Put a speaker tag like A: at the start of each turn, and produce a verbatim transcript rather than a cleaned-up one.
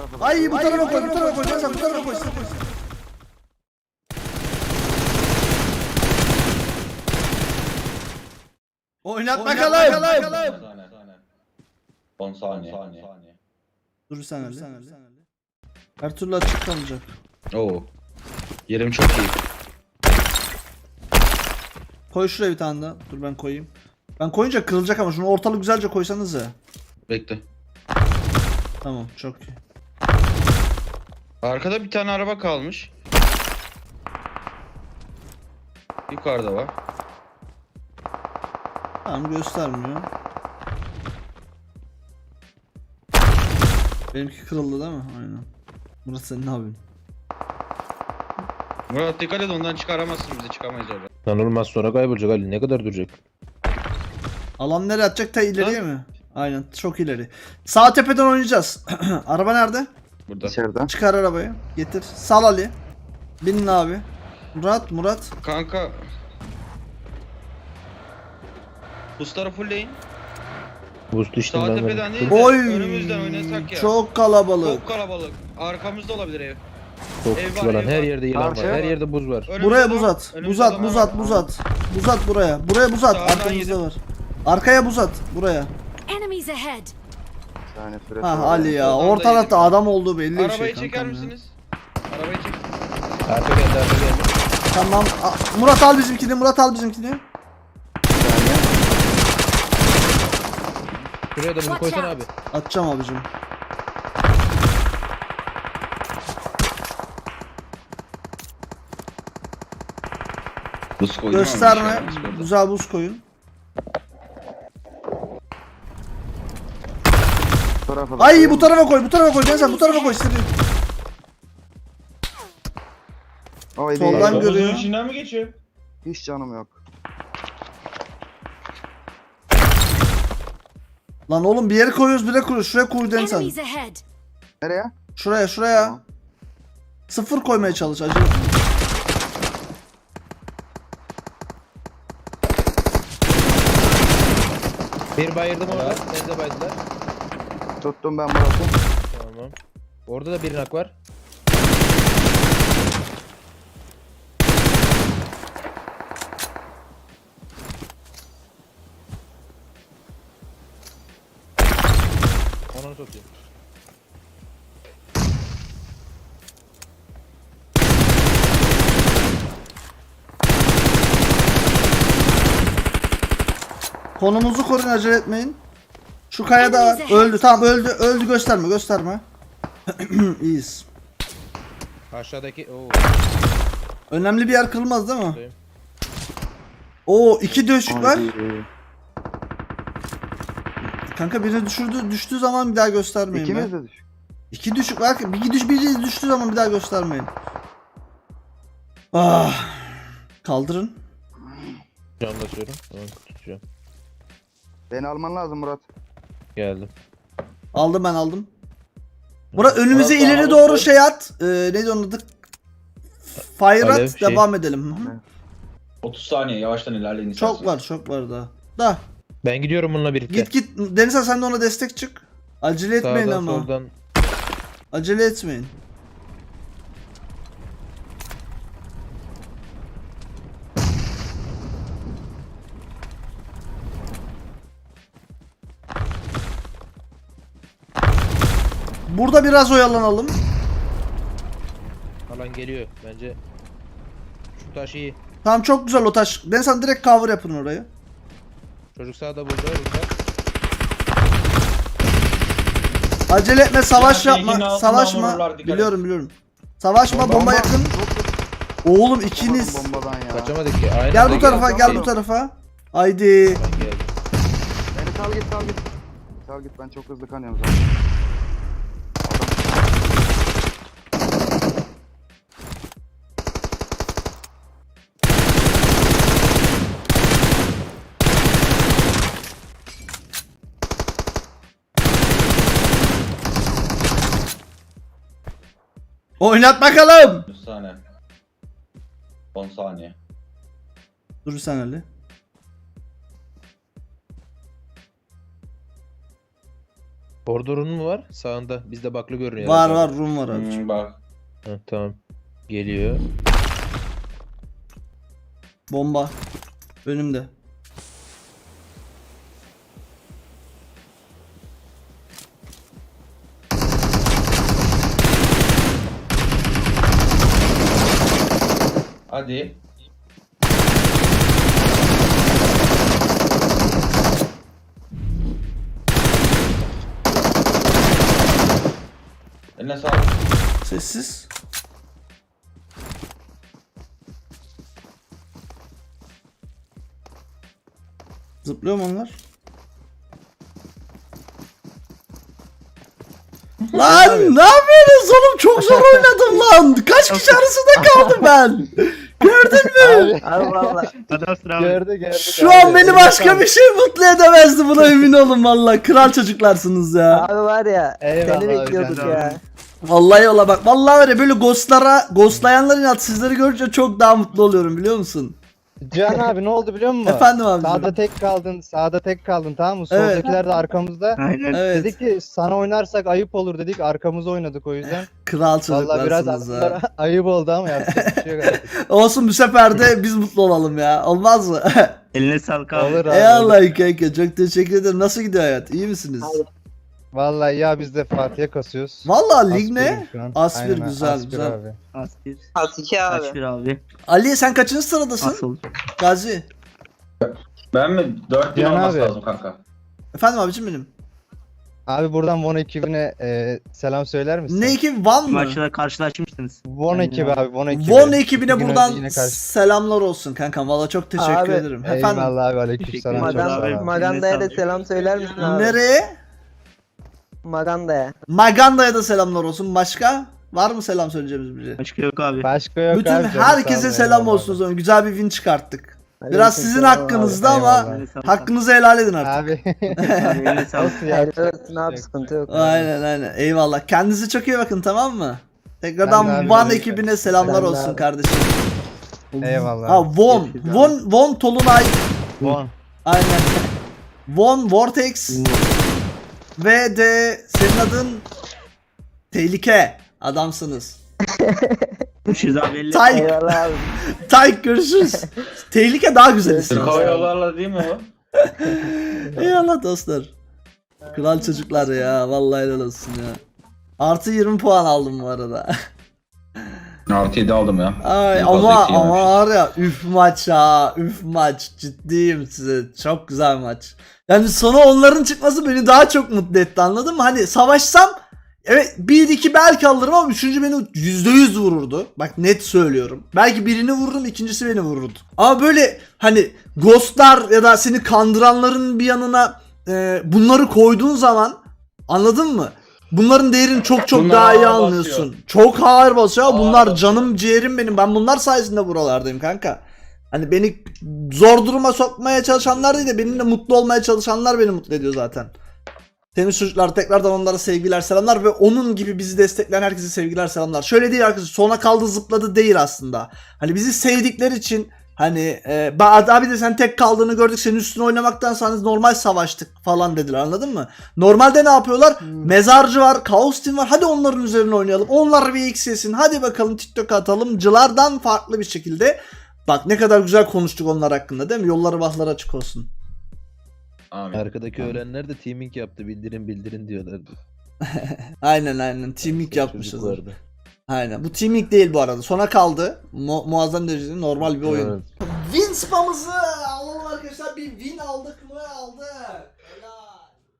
A: tarafa.
B: Ay bu tarafa koy, bu tarafa koy. Sen bu tarafa koy. Oynat bakalım.
C: on saniye.
B: Dur sen öyle. Her türlü açık kalacak.
D: Oo. Yerim çok iyi.
B: Koy şuraya bir tane daha. Dur ben koyayım. Ben koyunca kırılacak ama şunu ortalık güzelce koysanız ya.
D: Bekle.
B: Tamam çok iyi.
D: Arkada bir tane araba kalmış. Yukarıda var.
B: Tamam göstermiyor. Benimki kırıldı değil mi? Aynen. Burası senin abin.
D: Murat dikkat et, ondan çıkaramazsın bizi, çıkamayız orada.
E: Lan olmaz, sonra kaybolacak Ali, ne kadar duracak?
B: Alan nereye atacak? Ta ileriye mi? Aynen çok ileri. Sağ tepeden oynayacağız. Araba nerede?
D: Burada.
A: İçeriden.
B: Çıkar arabayı. Getir. Sal Ali. Binin abi. Murat Murat.
D: Kanka. Busları fullleyin.
E: Buz düştüm
D: Sağ
E: ben.
D: tepeden değil de
B: Oy.
D: önümüzden oynasak ya.
B: Çok kalabalık.
D: Çok kalabalık. Arkamızda olabilir ev.
E: Çok
D: Ev
E: küçük
D: var,
E: olan,
D: ev
E: her
D: var.
E: yerde yılan var.
A: Karşıya
E: Her
A: bak.
E: yerde buz var.
D: Önümüzde
B: Buraya
D: adam-
B: buz at.
D: önümüzde
B: Buz at,
D: adam
B: buz
D: var.
B: at, buz at. Buz at buraya. Buraya buz at.
D: Sağdan
B: Arkamızda
D: yedim.
B: var. Arkaya buz at. Buraya.
F: Enemies ahead.
A: Bir tane süre
B: Ha
A: sonra.
B: Ali ya.
D: Oradan da
B: Orta tarafta
D: yedim.
B: adam olduğu belli bir
D: Arabayı
B: şey
D: çeker
B: kankam ya.
D: misiniz? Arabayı çek.
E: Arka geldi, arka geldi.
B: Tamam. A- Murat al bizimkini. Murat al bizimkini.
E: Şuraya da bunu koysana abi.
B: Atacağım abicim.
D: Buz koydum ama bir şey
B: Gösterme.
D: olmaz orada.
B: Güzel buz koyun.
A: Bu tarafa da
B: Ay
A: koyayım
B: bu
A: mı?
B: tarafa koy. Bu tarafa koy. Ben sen bu tarafa koy. Seni.
A: Oy
B: Soldan
A: değil.
B: görüyor.
C: içinden mi geçiyor?
A: Hiç canım yok.
B: Lan oğlum bir yere koyuyoruz, bir yere koyuyoruz. Şuraya koy den sen.
F: Enemies ahead.
A: Nereye?
B: Şuraya, şuraya.
A: Tamam.
B: Sıfır koymaya çalış acele.
E: Bir bayırdım orada. Nerede baydılar?
A: Tuttum ben Murat'ı.
E: Tamam. Orada da bir nak var. Onu satayım.
B: Konumuzu koruyun, acele etmeyin. Şu kayada var. Öldü. Tamam öldü. Öldü, gösterme, gösterme. İyiyiz.
E: Aşağıdaki oo.
B: Önemli bir yer kırılmaz değil mi?
E: Buradayım.
B: Oo iki döşük var.
A: Ay,
B: Kanka birini düşürdü, düştüğü zaman bir daha göstermeyin.
A: İkimiz
B: be.
A: de düşük.
B: İki düşük var ki bir düş biri düştüğü zaman bir daha göstermeyin. Ah. Kaldırın.
E: Cam basıyorum. Tamam, tutacağım.
A: Beni alman lazım Murat.
E: Geldim.
B: Aldım ben aldım. Murat önümüze
C: Murat,
B: ileri
C: abi,
B: doğru
C: koy.
B: şey at. Ee, neydi onun adı? Fire
E: Alev,
B: at,
E: şey.
B: devam edelim. Hı hı.
C: otuz saniye yavaştan ilerleyin.
B: Çok
C: isterseniz.
B: var, çok var daha. Da.
E: Ben gidiyorum bununla birlikte.
B: Git git. Denizhan sen de ona destek çık. Acele etmeyin
E: Sağdan
B: ama.
E: soldan.
B: Acele etmeyin. Burada biraz oyalanalım.
E: Alan geliyor bence. Şu taş iyi.
B: Tamam çok güzel o taş. Denizhan direkt cover yapın orayı.
E: Çocuk sağda burada. burada.
B: Acele etme, savaş
C: Ya, tekinin
B: yapma.
C: altından
B: Savaşma.
C: vururlar, dikkat
B: Biliyorum biliyorum. Savaşma, bomba,
A: Bomba.
B: yakın. Oğlum ikiniz.
A: Umarım bombadan ya.
E: Kaçamadık ki. Aynen.
B: Gel bu
E: Aynen.
B: tarafa, gel bu
E: Şey,
B: tarafa. Haydi.
E: ben geldim.
A: Beni sal git sal git. Sal git, ben çok hızlı kanıyorum zaten.
B: Oynat bakalım.
C: otuz saniye. on saniye.
B: Dur sen Ali.
E: Orada Run mu var? Sağında. Bizde baklı görünüyor.
B: Var
E: herhalde.
B: var room var abi.
C: Hmm, bak.
E: Hı, tamam. Geliyor.
B: Bomba. Önümde.
C: Hadi. Eline sağlık.
B: Sessiz. Zıplıyor mu onlar? Lan ne yapıyorsunuz oğlum? Çok zor oynadım lan. Kaç kişi arasında kaldım ben? Gördün mü?
F: Abi valla.
G: Adamsın abi.
E: Gördü gördü.
B: Şu an beni başka bir şey mutlu edemezdi, buna emin olun valla. Kral çocuklarsınız ya.
F: Abi var ya.
E: Eyvallah
F: Seni
E: abi,
F: bekliyorduk
G: sen de
F: ya.
G: abi.
B: Vallahi yola bak. Vallahi var ya, böyle ghostlara, ghostlayanların inat sizleri görünce çok daha mutlu oluyorum, biliyor musun?
H: Cihan abi ne oldu biliyor musun?
B: Efendim abi.
H: Sağda tek kaldın, sağda tek kaldın tamam mı?
B: Evet.
H: Soldakiler de arkamızda.
G: Aynen.
B: Evet.
H: Dedik ki sana oynarsak ayıp olur dedik, arkamıza oynadık o yüzden.
B: Kral
H: Vallahi biraz
B: çocuklarsınız ha.
H: adamlara ayıp oldu ama yapacak bir şey yok artık.
B: Olsun, bu sefer de biz mutlu olalım ya. Olmaz mı?
G: Eline sağlık abi.
H: Olur abi.
B: Eyvallah kanka, çok teşekkür ederim. Nasıl gidiyor hayat? İyi misiniz?
H: Vallahi ya biz de Fatih'e kasıyoruz.
B: Vallahi lig
H: Aspir'im
B: ne?
H: şu an.
B: Aspir,
H: Aynen,
B: güzel,
H: Aspir
B: güzel.
H: Abi.
G: Aspir.
F: Asiki abi.
G: Aspir abi.
B: Ali sen kaçıncı sıradasın?
G: Asıl.
B: Gazi.
C: Ben mi? dört bin
H: Cihan
C: olması
H: abi.
C: lazım kanka.
B: Efendim abicim benim.
H: Abi buradan Von ekibine e, selam söyler misin?
B: Ne ekibi? Van mı?
G: Maçta karşılaşmıştınız.
H: Von
G: Aynen
H: ekibi
G: abi.
H: abi, Von ekibi.
B: Von ekibine
H: İki gün
B: buradan
H: önce yine karşı-
B: selamlar olsun kankam. Valla çok teşekkür
F: Abi,
B: ederim. Efendim
H: Eyvallah abi, aleykümselam.
G: Teşekkür ederim.
H: Çok sağ ol
G: abi.
H: abi.
F: Maganda'ya da selam söyler misin abi?
B: nereye?
F: Maganda'ya.
B: Maganda'ya da selamlar olsun. Başka? Var mı selam söyleyeceğimiz biri?
G: Başka yok abi.
H: Başka yok
B: Bütün
H: abi. canım, sağ
B: herkese
H: ol,
B: selam
H: eyvallah
B: olsun o
H: abi.
B: zaman. Güzel bir win çıkarttık. Biraz sizin
F: Aleykümselam
B: hakkınızda
F: abi.
B: ama
H: Eyvallah.
G: Eline sağlık.
B: hakkınızı helal edin artık.
H: Abi.
G: Abi eline sağlık.
H: Olsun ya.
F: Helal olsun abi, sıkıntı yok.
B: Aynen aynen. Eyvallah. Kendinize çok iyi bakın, tamam mı?
H: Ben de
B: Tekrardan
H: abi,
B: Van
H: öyle.
B: ekibine selamlar
F: Ben de
B: olsun
F: abi.
B: kardeşim.
H: Eyvallah.
B: Ha Von.
G: Görüşürüz abi.
B: Von Von Tolunay.
H: Von.
B: Aynen. Von Vortex. Ve de senin adın Tehlike. Adamsınız.
G: Görüşürüz abi. Elle.
B: Tay
F: Eyvallah abi.
B: Tay görüşürüz. Tehlike daha güzel isim.
C: Türk Hava Yolları'la değil mi o?
B: Eyvallah dostlar. Kral çocuklar ya. Vallahi helal olsun ya. Artı yirmi puan aldım bu arada.
C: Artı yedi aldım ya.
B: Ay
C: En fazla
B: ama
C: iki
B: ama
C: yemişiz.
B: var ya, üf maç ha, üf maç, ciddiyim size, çok güzel maç. Yani sonu onların çıkması beni daha çok mutlu etti, anladın mı? Hani savaşsam evet bir iki belki alırım ama üçüncü beni yüzde yüz vururdu. Bak net söylüyorum. Belki birini vururum, ikincisi beni vururdu. Ama böyle hani ghostlar ya da seni kandıranların bir yanına e, bunları koyduğun zaman, anladın mı? Bunların değerini çok çok
C: Bunlar
B: daha iyi
C: ağır
B: anlıyorsun.
C: basıyor.
B: Çok ağır basıyor.
C: Ağır
B: Bunlar
C: basıyor.
B: canım ciğerim benim. Ben bunlar sayesinde buralardayım kanka. Hani beni zor duruma sokmaya çalışanlar değil de benimle mutlu olmaya çalışanlar beni mutlu ediyor zaten. Temiz çocuklar, tekrardan onlara sevgiler selamlar ve onun gibi bizi destekleyen herkese sevgiler selamlar. Şöyle değil arkadaşlar, sona kaldı zıpladı değil aslında. Hani bizi sevdikleri için hani e, abi de sen tek kaldığını gördük, senin üstüne oynamaktan sonra normal savaştık falan dediler, anladın mı? Normalde ne yapıyorlar? Mezarcı var, Kaos Team var, hadi onların üzerine oynayalım. Onlar bir X yesin, hadi bakalım TikTok atalım. Cılardan farklı bir şekilde. Bak ne kadar güzel konuştuk onlar hakkında, değil mi? Yolları bahları açık olsun.
C: Amin.
E: Arkadaki
C: Amin.
E: ölenler de teaming yaptı. Bildirin bildirin diyorlardı.
B: Aynen aynen, teaming yapmışız.
E: Çocuklardı.
B: Aynen. Bu teaming değil bu arada. Sona kaldı. Mu muazzam derecede normal bir oyun.
E: Evet.
B: Win spamımızı alalım arkadaşlar. Bir win aldık mı? Aldık. Helal.